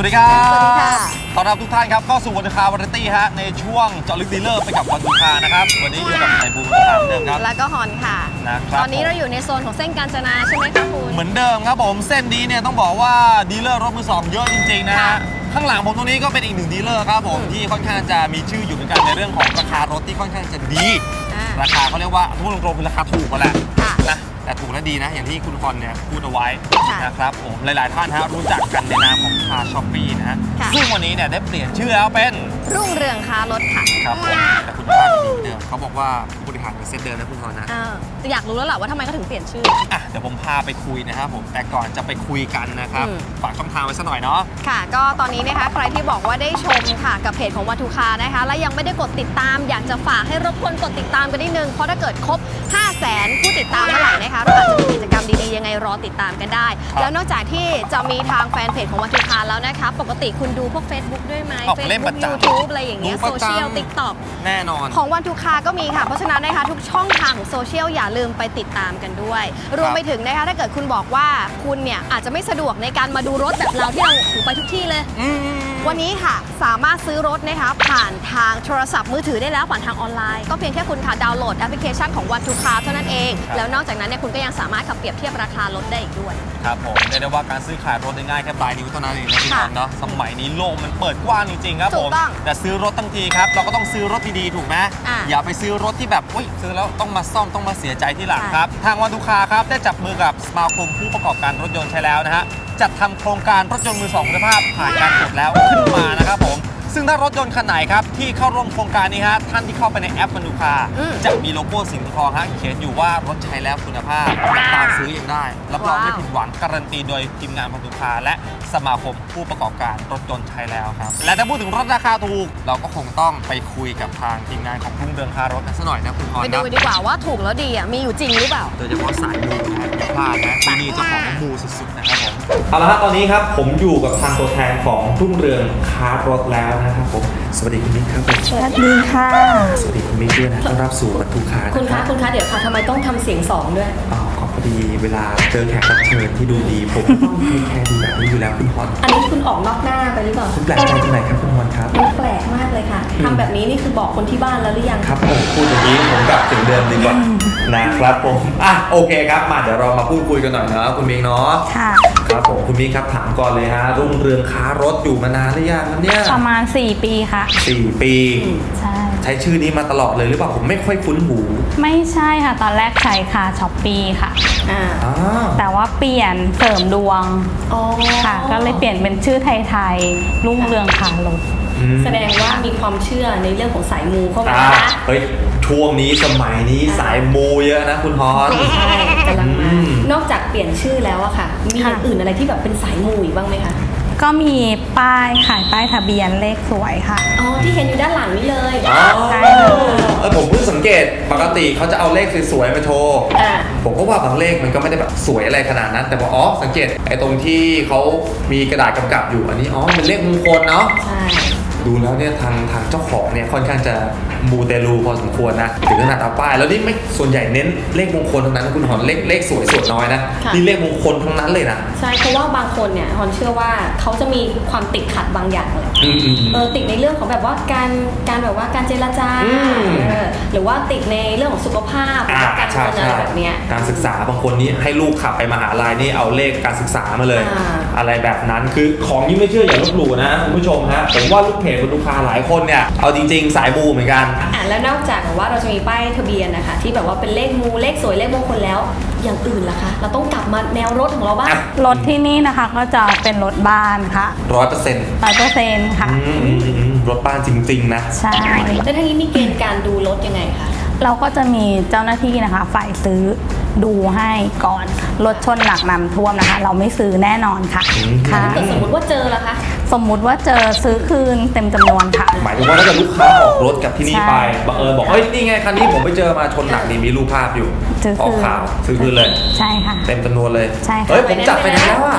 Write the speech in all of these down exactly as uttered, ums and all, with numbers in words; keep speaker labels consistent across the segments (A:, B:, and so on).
A: ดีครับ
B: สวัสดีค่ะ
A: ต้อนรับทุกท่านครับเข้าสู่วันทูคาวาไรตี้ฮะในช่วงเจาะลึกดีลเลอร์ไปกับวันทูคานะครับวันนี้อยู่กับไอบูมตามเดิมครับ
B: แล้วก็ฮอนค่ะ
A: นะครับ
B: ตอนนี้เราอยู่ในโซนของเส้นกาญจนาใช่ไหมคะคุณ
A: เหมือนเดิมครับผมเส้นนี้เนี่ยต้องบอกว่าดีลเลอร์รถมือสองเยอะจริงๆนะฮะข้างหลังผมตรงนี้ก็เป็นอีกหนึ่งดีลเลอร์ครับผมที่ค่อนข้างจะมีชื่ออยู่เหมือนกันในเรื่องของราคารถที่ค่อนข้างจะดีราคาเขาเรียกว่าพูดตรงๆคือราคาถูกกันแหละนะแต่ถูกและดีนะอย่างที่คุณคอนเนี่ยพูดเอาไว้นะครับผมหลายๆท่านฮะรู้จักกันในนามของคาช้อปปี้นะฮะซึ่งวันนี้เนี่ยได้เปลี่ยนชื่อแล้วเป็น
B: รุ่งเรืองค้ารถค่ะ
A: ครับผมแต่คุณภาพดีเดิมเขาบอกว่าบริหารเป็นเซตเดิมนะคุณคอนนะ
B: อยากรู้แล้วแหละว่าทำไมเขาถึงเปลี่ยนชื่อ
A: อ่ะเดี๋ยวผมพาไปคุยนะครับผมแต่ก่อนจะไปคุยกันนะครับฝากช่องทางไว้สักหน่อยเนาะ
B: ค่ะก็ตอนนี้นะคะใครที่บอกว่าได้ชมค่ะกับเพจของวันทูคานะคะและยังไม่ได้กดติดตามอยากจะฝากให้รบกวนกดติดตามกันนิดนึงเพราะถ้าเกิดครบห้าแสนผู้ติดตามเมื่อไหร่นะคะเราอาจจะมีกิจกรรมดีๆยังไงรอติดตามกันได้แล้วนอกจากที่จะมีทางแฟนเพจของวันทูคาแล้วนะคะปกติคุณดูพวก Facebook ด้วยไหม
A: Facebook
B: YouTube อะไรอย่างเงี้ยโซเชียล TikTok
A: แน่นอน
B: ของวันทูคาก็มีค่ะเพราะฉะนั้นนะคะทุกช่องทางของโซเชียลอย่าลืมไปติดตามกันด้วยรวมไปถึงนะคะถ้าเกิดคุณบอกว่าคุณเนี่ยอาจจะไม่สะดวกในการมาดูรถแบบเราที่เราถูไปทุกที่เลยวันนี้ค่ะสามารถซื้อรถนะคะผ่านทางโทรศัพท์มือถือได้แล้วผ่านทางออนไลน์ก็เพียงแค่คุณค่ะดาวน์โหลดแอปพลิเคชันของวันทูคาเท่านั้นเองแล้วนอกจากนั้นเนี่ยคุณก็ยังสามารถขับเปรียบเทียบราคารถได้อีกด้วย
A: ครับผมเรียกได้ว่าการซื้อขายรถง่ายแค่ปลายนิ้วเท่านั้นเองนะพี่น้องเนาะสมัยนี้โลกมันเปิดกว้างจริงๆครับผมแต่ซื้อรถทั้งทีครับเราก็ต้องซื้อรถดีๆถูกไหมอย่าไปซื้อรถที่แบบอุ้ยซื้อแล้วต้องมาซ่อมต้องมาเสียใจที่หลังครับทางวันทูคาครับได้จับมือกับสมาคมผู้ประกอบการรถยนต์ใช้แล้วนะฮะจัดทำโครงการรถยนต์มือสองคุณภาพผ่านการตรวจแล้วขึ้นมานะครับผมซึ่งถ้ารถยนต์คันไหนครับที่เข้าร่วมโครงการนี้ฮะท่านที่เข้าไปในแอปวันทูคาจะมีโลโก้สีทองฮะเขียนอยู่ว่ารถใช้แล้วคุณภาพตามซื้อยังได้รับรองไม่ผิดหวังการันตีโดยทีมงานวันทูคาและสมาคมผู้ประกอบการรถยนต์ใช้แล้วครับและถ้าพูดถึงรถราคาถูกเราก็คงต้องไปคุยกับทางทีมงานของรุ่งเรืองค้ารถกันสักหน่อยนะคุณพร
B: ไปดูดีกว่าว่าถูกแล้วดีอ่ะมีอยู่จริงหรือเปล่า
A: โดยเฉพาะสายมูนะพลาดนะที่นี่เจ้าของมูสุดๆนะครับผมเอาละครับตอนนี้ครับผมอยู่กับทางตัวแทนของรุ่งเรืองค้ารถแล้วนะครับผมสวัสดีคุณมิกครับผม
C: สวัสดีค่ะ
A: สวัสดีคุณมิกด้วยนะต้อนรับสู่วันทูคา
C: คุณคะคุณคะเดี๋ยวค่ะทำไมต้องทำเสียงสองด้วย
A: อ๋อขอพอดีเวลาเจอแขกรับเชิญที่ดูดีผมต้องให้แค่ดูแบบนี้อยู่แล้วคุณพร
C: อันนี้คุณออกนอกหน้าไปหรือเปล่า
A: คุณแปลกใจตรงไหนครับคุณพรครับ
C: มันแปลกมากเลยค่ะทำแบบนี้นี่คือบอกคนที่บ้านแล้วหรือยัง
A: ครับผมพูดอย่างนี้ผมกลับถึงเดิมดีกว่านะครับผมอ่ะโอเคครับมาเดี๋ยวเรามาพูดคุยกันหน่อยนะคุณมิกเนาะ
C: ค่ะ
A: ครับผมคุณมิกครับถามก่อนเลยฮะรุ่งเรืองค้ารถอยู่มานานหรือยังครับเนี่ย
C: ประมาณสี่ปีค่ะ
A: สี่ปี
C: ใช่
A: ใช้ชื่อนี้มาตลอดเลยหรือเปล่าผมไม่ค่อยคุ้นหู
C: ไม่ใช่ค่ะตอนแรกใช้ค่ะช้อปปี้ค่ะ
A: อ่า
C: แต่ว่าเปลี่ยนเสริมดวงค่ะก็เลยเปลี่ยนเป็นชื่อไทยๆรุ่งเรืองค้ารถแสดงว่ามีความเชื่อในเรื่องของสายมูเข้ามานะ
A: เฮ้ยช่วงนี้สมัยนี้สายมูเยอะนะคุณฮอน
C: ใช่กำลังมานอกจากเปลี่ยนชื่อแล้วอะค่ะมีอย่างอื่นอะไรที่แบบเป็นสายมูอีกบ้างไหมคะก็มีป้ายขายป้ายทะเบียนเลขสวยค่ะ
B: อ๋อที่เห็นอยู่ด้านหลังนี่เลย
A: ใช่เออผมเพิ่งสังเกตปกติเขาจะเอาเลขสวยๆมาโชว์ผมก็ว่าบางเลขมันก็ไม่ได้แบบสวยอะไรขนาดนั้นแต่พออ๋อสังเกตไอ้ตรงที่เขามีกระดาษกำกับอยู่อันนี้อ๋อเป็นเลขมงคลเนาะ
C: ใช่
A: ดูแล้วเนี่ยทางทางเจ้าของเนี่ยค่อนข้างจะมูเตลูพอสมควรนะถึงขนาดเอาป้ายแล้วนี่ไม่ส่วนใหญ่เน้นเลขมงคลทั้งนั้นคุณหอนเลขเลขสวยส่วนน้อยนะนี่เลขมงคลทั้งนั้นเลยนะ
C: ใช่เพราะว่าบางคนเนี่ยฮอนเชื่อว่าเขาจะมีความติดขัดบางอย่างเลยเออติดในเรื่องของแบบว่าการการแบบว่าการเจรจาหรือว่าติดในเรื่องของสุขภาพการเงินอะไรแบบเนี้ย
A: การศึกษาบางคนนี้ให้ลูกขับไปมหาลัยนี่เอาเลขการศึกษามาเลยอะไรแบบนั้นคือของยิ่งไม่เชื่ออย่าลบหลู่นะคุณผู้ชมฮะผมว่าลูกเพจลูกค้าหลายคนเนี่ยเอาจริงๆสายมูเหมือนกัน
C: อ่ะแล้วนอกจากว่าเราจะมีป้ายทะเบียนนะคะที่แบบว่าเป็นเลขมูเลขสวยเลขมงคลแล้วอย่างอื่นล่ะคะเราต้องกลับมาแนวรถของเราบ้างรถที่นี่นะคะก็จะเป็นรถบ้านค่ะ
A: ร้อยเปอร์เซ็นต์
C: ร้อยเปอร์เซ็นต์ค่ะ
A: รถบ้านจริงๆนะ
C: ใช่
B: แล้วทางนี้มีเกณฑ์การดูรถยังไงคะ
C: เราก็จะมีเจ้าหน้าที่นะคะฝ่ายซื้อดูให้ก่อนรถชนหนักน้ำท่วมนะคะเราไม่ซื้อแน่นอนค่ะ
B: ค่ะถ้าสมมติว่าเจอล่ะคะ
C: สมมุติว่าเจอซื้อคืนเต็มจำนวนค่ะ
A: หมายถึงว่าถ้าเกิดลูกค้าออกรถกับที่นี่ไปบังเอิญบอกเฮ้ยนี่ไงคันนี้ผมไปเจอมาชนหนักนี่มีรูปภาพอยู่ออกข่าวซื้อคืนเลย
C: ใช่ค่ะ
A: เต็มจำนวนเลย
C: ใช่
A: เฮ้ยผมจัดไปแล้วอ่ะ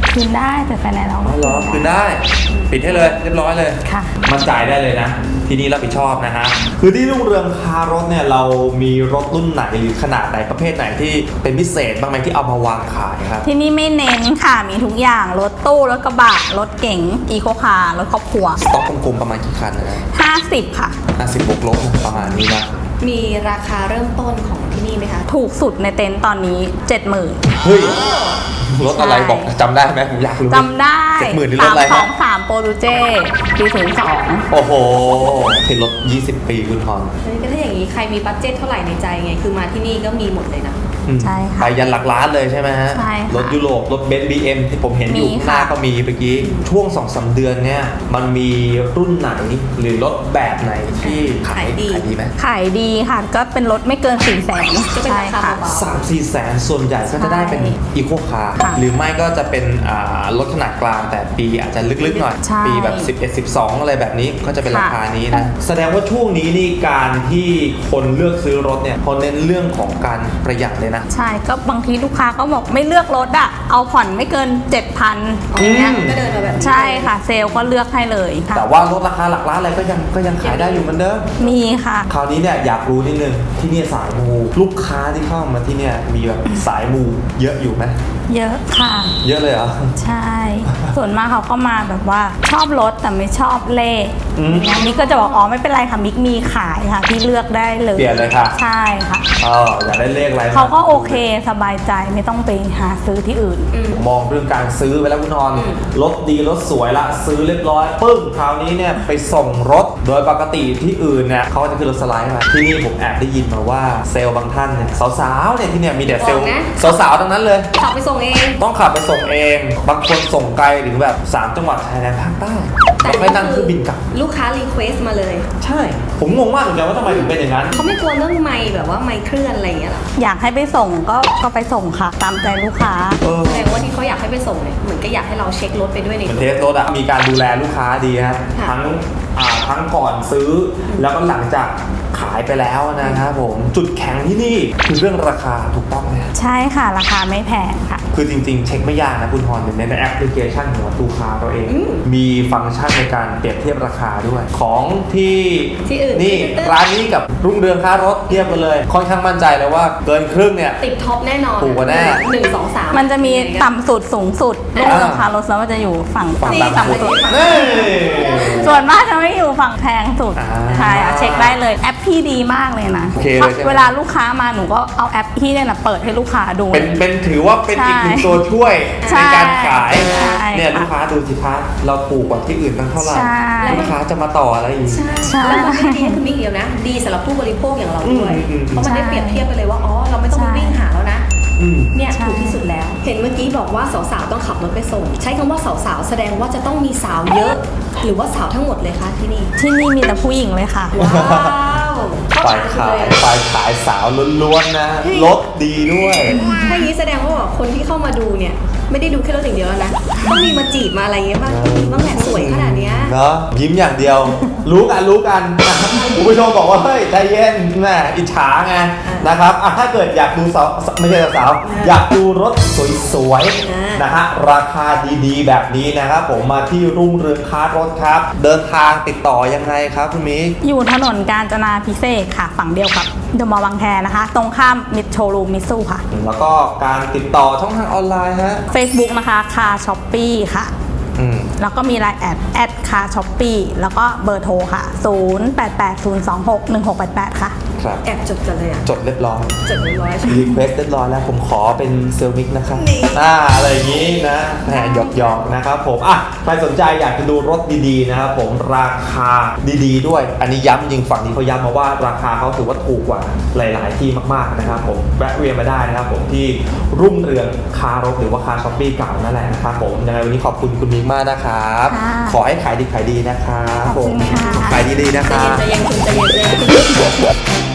C: คืนได้แต่ไฟแนนซ์เรา
A: อ๋อเหรอคืนได้ปิดให้เลยเรียบร้อยเลย
C: ค่ะ
A: มั่นใจได้เลยนะ ที่นี่รับผิดชอบนะฮะคือที่รุ่งเรืองคารถเนี่ยเรามีรถรุ่นไหนหรือขนาดไหนประเภทไหนที่เป็นพิเศษบ้างไหมที่เอามาวางขายครับ
C: ที่นี่ไม่เน้นค่ะมีทุกอย่างรถตู้รถกระบะรถเก๋งอีโคคาร์รถครอบครัว
A: สต็อกกลมๆประมาณกี่คันนะ
C: ห้าสิบค่ะ
A: ห้าสิบบวกลบประมาณนี้นะ
B: มีราคาเริ่มต้นของที่นี่ไหมคะ
C: ถูกสุดในเต็นท์ตอนนี้ เจ็ดหมื่น
A: เฮ้ยรถอะไร
C: ใช่
A: บอกจำได้ไหมผมอยากรู้
C: จำได้
A: เจ็ดหมื่นนี่รถอะไร
C: สา
A: ฮะ
C: มสองสามโปรตูเจปีศูนย์สอง
A: โอ้โหเป็นรถยี่สิบปีคุณทอน
B: เฮ้ยก็ถ้าอย่างนี้ใครมีบัตเจ็ตเท่าไหร่ในใจไง คือมาที่นี่ก็มีหมดเลยนะ
A: อืม
C: ใช่ค่ะ
A: ไปยันหลักล้านเลยใช่ไหมฮะ
C: ใช่ค่ะ
A: รถยุโรปรถเบนซ์บีเอ็มที่ผมเห็นอยู่
C: มี
A: ข้างหน้า
C: ค่ะ
A: ก็มีเมื่อกี้ช่วงสองสามเดือนเนี่ยมันมีรุ่นไหนหรือรถแบบไหนที่ขาย
B: ขายดี
A: ขายดีไหม
C: ขายดีค่ะ ก็เป็นรถไม่เกินสี่แสน
B: ก็เป็น
C: ใช่
B: ราคา
C: ค่ะ
B: เบา
A: สามสี่แสนส่วนใหญ่ก็จะได้เป็น
C: ใช่
A: อีโคคาร์
C: ค่ะ
A: หรือไม่ก็จะเป็นอ่ารถขนาดกลางแต่ปีอาจจะลึกๆหน่อย
C: ใช่
A: ปีแบบสิบเอ็ด สิบสองอะไรแบบนี้ก็จะเป็น
C: ค่ะ
A: ราคานี้นะแสดงว่าช่วงนี้นี่การที่คนเลือกซื้อรถเนี่ยเขาเน้นเรื่องของการประหยัดเลยนะ
C: ใช่ก็บางทีลูกค้าก็บอกไม่เลือกรถอะเอาผ่อนไม่เกิน เจ็ดพัน
B: อย่างเงี้ยก็เดินมาแบบนี้
C: ใช่ค่ะ เซลล์ก็เลือกให้เลยค่ะ
A: แต่ว่ารถราคาหลักล้านอะไรก็ยังก็ยังขายได้อยู่เหมือนเดิม
C: มีค่ะ
A: คราวนี้เนี่ยอยากรู้นิดนึงที่เนี่ยสายมูลูกค้าที่เข้ามาที่เนี่ยมีแบบสายมูเยอะอยู่ไหม
C: เยอะค่ะ
A: เยอะเลยเหรอ
C: ใช่ ส่วนมากเขาก็มาแบบว่าชอบรถแต่ไม่ชอบเลข
A: อืม
C: อย่างนี้ก็จะบอกอ๋อไม่เป็นไรค่ะมิกมีขายค่ะที่เลือกได้เลย
A: เปลี่ยนเลยค่ะ
C: ใช่ค่ะ
A: อ๋ออยากได้เลขอะไร
C: เขาก็โอเคสบายใจไม่ต้องไปหาซื้อที่อื่น
A: ผมมองเรื่องการซื้อไปแล้วคุณนอนรถดีรถสวยละซื้อเรียบร้อยปึ้งคราวนี้เนี่ยไปส่งรถโดยปกติที่อื่นเนี่ยเขาจะขึ้นรถสไลด์มาที่นี่ผมแอบได้ยินมาว่าเซลล์บางท่านเนี่ยสาวๆเนี่ยที่เนี่ยมีแต่เซลล์
B: บอกนะ
A: สาวๆทั้งนั้นเลย
B: ขับไปส่งเอง
A: ต้องขับไปส่งเอง บางคนส่งไกลถึงแบบสามจังหวัดชายแดนภาคใต้แล้วไม่นั่งเครื่องบินกลับ
B: ลูกค้ารีเควสมาเลย
A: ใช่ ผมงงมากเหมือนกันว่าทำไมถึงเป็นอย่างนั้น
B: เขาไม่กลัวเรื่องไมค์แบบว่าไมค์เคลื่อนอะไรอย่างเงี้ยหรอ
C: อยากให้ไปส่งก็ก็ไปส่งค่ะ ตามใจลูกค้า
A: เออ
B: แสดงว่าที่เขาอยากให้ไปส่งเนี่ยเหมือนก็อยากให้เราเช็ครถไปด้วยใน
A: เหมือน
B: ร
A: เท
B: ถ
A: สรถอะมีการดูแลลูกค้าดีฮะ
B: ค่ะ
A: ทั้งอ่าทั้งก่อนซื้อแล้วก็หลังจากขายไปแล้วนะครับผมจุดแข็งที่นี่คือเรื่องราคาถูกต้องไหม
C: ใช่ค่ะ ราคาไม่แพงค่ะ
A: คือจริงๆ เช็คไม่ยากนะคุณฮอนในในแอปพลิเคชันของตูคาเราเอง
B: อืม
A: มีฟังก์ชันในการเปรียบเทียบราคาด้วย ของที่
B: ที่อื่น
A: นี่
B: ที่อื่น
A: ร้านนี้กับรุ่งเรืองค้ารถเทียบกันเลย ค่อนข้างมั่นใจเลยว่าเกินครึ่งเนี่ย
B: ติดท็อปแน่นอน
A: ถูกกว่าแน่
B: หนึ่งสองสาม
C: มันจะมีต่ำสุดสูงสุด
B: อ่า
C: ลูกราคารถแล้วมันจะอยู่ฝั่ง
A: ฝั่ง
C: ที่
A: ต่ำสุด
C: ต่ำสุด
A: นี่
C: ส่วนมากจะไม่อยู่ฝั่งแพงสุด
A: อ่า
C: ใช่ค่ะเช็คได้เลยแอปพี่ดีมากเลยนะ
A: โอเคเลยใช่ไหม
C: เวลาลูกค้ามาหนูก็เอาแอปพี่เนี่ยนะเปิดให้ลูกค้าดู
A: เป็นเป็นถือว่าเป็นอีกหนึ่ง
C: ใช่
A: ตัวช่วย
C: ใช่
A: ในการขาย
C: ใช่
A: เนี่ย
C: ค่ะ
A: ลูกค้าดูสิคะเราถูกกว่าที่อื่นตั้งเท่าไหร่
C: ใช่
A: ลูกค้าจะมาต่ออะไรอีก
B: ใช่
C: ใช่
B: แล้วมันไม่ได้ดีคือมิกเดียวนะ ดีสำหรับผู้บริโภคอย่างเราด้วย
A: อืมอืม
B: เพราะมันได้
C: ใช่
B: เปรียบเทียบไปเลยว่า อ๋อ เราไม่ต้องไป
C: ใช่
B: วิ่งหาแล้วนะ
A: อืม
B: เนี่ย
C: ใช่
B: ถูกที่สุดแล้ว เห็นเมื่อกี้บอกว่าสาวๆต้องขับรถไปส่ง ใช้คำว่าสาวๆแสดงว่าจะต้องมีสาวเยอะ หรือว่าสาวทั้งหมดเลยคะที่นี่
C: ที่นี่มีแต่ผู้หญิงเลยค่ะ
B: ว้าวเข้า
A: ฝ่าย
B: ทาง
A: ขาย
B: เลย
A: ฝ่ายขายสาวล้วนๆนะรถดีด้วย
B: ถ้าอย่างนี้แสดงว่าคนที่เข้ามาดูเนี่ย ไม่ได้ดูแค่รถอย่างเดียวแล้วนะ ต้องมีมาจีบมาอะไรเงี้ยบ้างต้องมีบ้างแหละสวยขนาดเนี้ย
A: เนาะยิ้มอย่างเดียว รู้กันรู้กันคุณผู้ชมบอกว่าเฮ้ยใจเย็นแม่อิจฉาไงนะครับอ่ะถ้าเกิดอยากดูสาวไม่ใช่สาวอยากดูรถสวยๆนะฮะราคาดีๆ แบบนี้นะครับผมมาที่รุ่งเรืองค้ารถครับ เดินทางติดต่อยังไงครับคุณมิก
C: อยู่ถนนกาญจนาพิเศษกค่ะ ฝั่งเดียวกับเดอะมอลล์บางแคนะคะ ตรงข้ามมิดโชลูมิซูค่ะ
A: แล้วก็การติดต่อช่องทางออนไลน์ฮะ
C: Facebook นะคะคาช้อปปี้ค่ะ
A: อืม
C: แล้วก็มีไลน์แอดแอดคาช้อปปี้แล้วก็เบอร์โทรค่ะ ศูนย์ แปด แปด ศูนย์ สอง หก หนึ่ง หก แปด แปด ค่ะ
A: ครับ
B: แอบจดกันเลยอ่ะ
A: จดเรียบร้อย
B: จดเรียบร้อยใช่ไหม
A: รีเควสเรียบร้อยแล้วผมขอเป็นเซลมิกนะครับ
B: นี่
A: อ่าอะไรอย่างนี้นะแหมหยอกหยอกๆนะครับผมอ่ะใครสนใจอยากจะดูรถดีๆนะครับผมราคาดีๆด้วย อันนี้ย้ำจริงฝั่งนี้เขาย้ำมาว่าราคาเขาถือว่าถูกกว่าหลายๆที่มากๆนะครับผมแวะเวียนมาได้นะครับผมที่รุ่งเรืองคารถหรือว่าคาช้อปปี้เก่านั่นแหละนะครับผมยังไงวันนี้ขอบคุณคุณมิกมากนะครับ
C: ค่ะ
A: ขอให้ขายดีขายดีนะครับ
C: ขอบคุณค่ะ
A: ขายดีๆนะค
B: ใจ
A: รับ
B: เย็นใจเย็นคุณใจเย็นใจเย็น